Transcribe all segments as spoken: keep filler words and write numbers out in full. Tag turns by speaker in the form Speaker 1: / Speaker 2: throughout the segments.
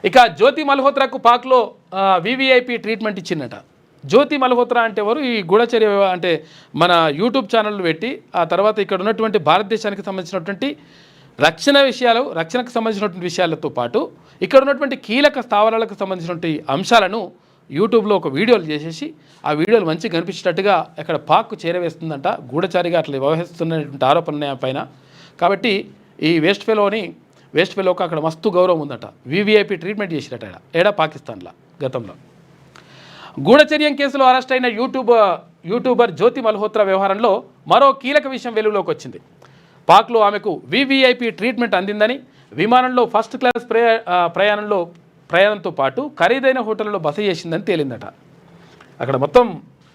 Speaker 1: ఇక జ్యోతి మల్హోత్రాకు పాక్లో వివిఐపి ట్రీట్మెంట్ ఇచ్చిందట. జ్యోతి మల్హోత్రా అంటే ఎవరు? ఈ గూఢచర్య అంటే మన యూట్యూబ్ ఛానల్ పెట్టి ఆ తర్వాత ఇక్కడ ఉన్నటువంటి భారతదేశానికి సంబంధించినటువంటి రక్షణ విషయాలు రక్షణకు సంబంధించినటువంటి విషయాలతో పాటు ఇక్కడ ఉన్నటువంటి కీలక స్థావరాలకు సంబంధించినటువంటి అంశాలను యూట్యూబ్లో ఒక వీడియోలు చేసేసి ఆ వీడియోలు మంచిగా కనిపించేటట్టుగా ఇక్కడ పాక్కు చేరవేస్తుందంట. గూఢచారిగా అట్లా వ్యవహరిస్తున్నటువంటి ఆరోపణ పైన. కాబట్టి ఈ వేస్ట్ ఫెలోని వేస్ట్ ఫెలోకి అక్కడ మస్తు గౌరవం ఉందట. వివిఐపి ట్రీట్మెంట్ చేసిరట ఏడా పాకిస్తాన్లో గతంలో. గూఢచర్యం కేసులో అరెస్ట్ అయిన యూట్యూబ్ యూట్యూబర్ జ్యోతి మల్హోత్రా వ్యవహారంలో మరో కీలక విషయం వెలుగులోకి వచ్చింది. పాక్లో ఆమెకు వివిఐపి ట్రీట్మెంట్ అందిందని, విమానంలో ఫస్ట్ క్లాస్ ప్రయా ప్రయాణంలో ప్రయాణంతో పాటు ఖరీదైన హోటల్లో బస చేసిందని తేలిందట. అక్కడ మొత్తం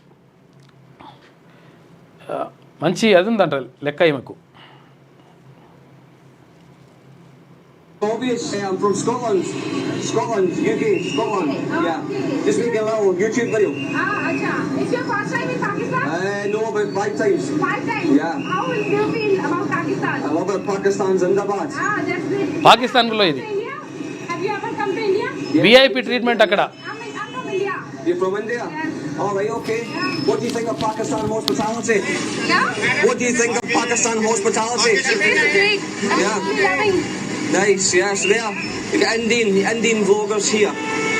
Speaker 1: మంచి అది ఉందంట లెక్క ఈమెకు.
Speaker 2: Obvious, I'm from Scotland. Scotland, U K, Scotland.
Speaker 3: Oh,
Speaker 2: yeah.
Speaker 3: Okay.
Speaker 2: Just making a little YouTube video.
Speaker 3: Ah, acha. It's your first time in Pakistan?
Speaker 2: Uh, no, about five times.
Speaker 3: Five times?
Speaker 2: Yeah.
Speaker 3: How will you feel about Pakistan?
Speaker 2: I love it. Pakistan's Zindabad.
Speaker 3: Ah, that's great.
Speaker 1: పాకిస్తాన్లో ఇది
Speaker 3: India? Have you ever come to India?
Speaker 1: VIP treatment అక్కడ.
Speaker 3: I'm, I'm from India.
Speaker 2: You're from India?
Speaker 3: Yes.
Speaker 2: All right, okay.
Speaker 3: Yeah.
Speaker 2: What do you think of Pakistan hospitality?
Speaker 3: Yeah?
Speaker 2: What do you think of Pakistan hospitality?
Speaker 3: It's great. I'm
Speaker 2: Yeah.
Speaker 3: really loving.
Speaker 2: Nice, yes, there. You got Indian, Indian vloggers here.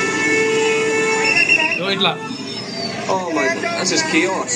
Speaker 1: ఇట్లా
Speaker 2: Oh my god, this is chaos.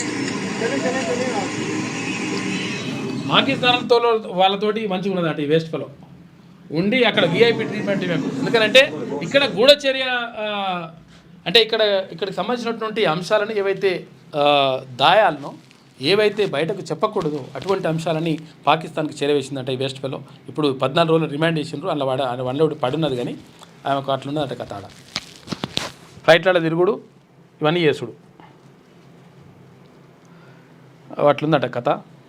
Speaker 1: పాకిస్తాన్తో వాళ్ళతోటి మంచిగా ఉన్నదట ఈ waste fellow ఉండి అక్కడ VIP treatment ఇవ్వకు. ఎందుకంటే ఇక్కడ గూఢచర్య అంటే ఇక్కడ ఇక్కడికి సంబంధించినటువంటి అంశాలను ఏవైతే దాయాలనో ఏవైతే బయటకు చెప్పకూడదు అటువంటి అంశాలని పాకిస్తాన్కి చేరవేసిందంట ఈ వేస్ట్ ఫెలో. ఇప్పుడు పద్నాలుగు రోజులు రిమాండ్ చేసిండ్రు. అందులో వాడ వన్లో పడున్నది కానీ ఆమెకు అట్లున్నదట కథ. ఆడ ఫ్లైట్ల తిరుగుడు ఇవన్నీ చేసుడు అట్లుందట కథ.